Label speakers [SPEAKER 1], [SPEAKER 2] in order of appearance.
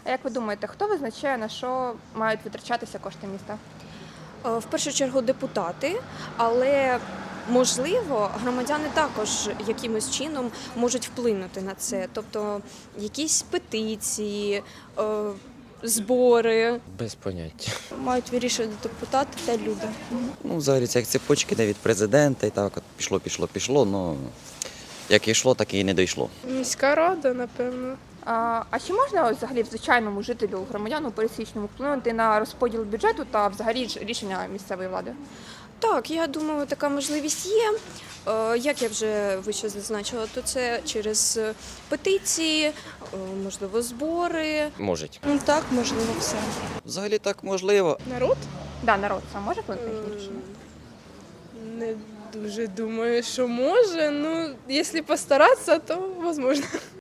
[SPEAKER 1] А як ви думаєте, хто визначає, на що мають витрачатися кошти міста?
[SPEAKER 2] В першу чергу депутати, але можливо, громадяни також якимось чином можуть вплинути на це. Тобто якісь петиції, збори.
[SPEAKER 3] Без поняття.
[SPEAKER 2] Мають вирішувати депутати та люди.
[SPEAKER 4] Ну, взагалі, це як цепочки, де від президента, і так от пішло, ну, як йшло, так і не дійшло.
[SPEAKER 5] Міська рада, напевно.
[SPEAKER 1] А чи можна взагалі звичайному жителю, громадяну пересічному вплинути на розподіл бюджету та взагалі рішення місцевої влади?
[SPEAKER 2] Так, я думаю, така можливість є. Як я вже вище зазначила, то це через петиції, можливо, збори.
[SPEAKER 3] Можуть.
[SPEAKER 2] Ну так, можливо, все.
[SPEAKER 4] Взагалі так можливо.
[SPEAKER 5] Народ?
[SPEAKER 1] Да, народ сам може вплинути на їхні рішення?
[SPEAKER 5] Не дуже думаю, що може. Ну, якщо постаратися, то можливо.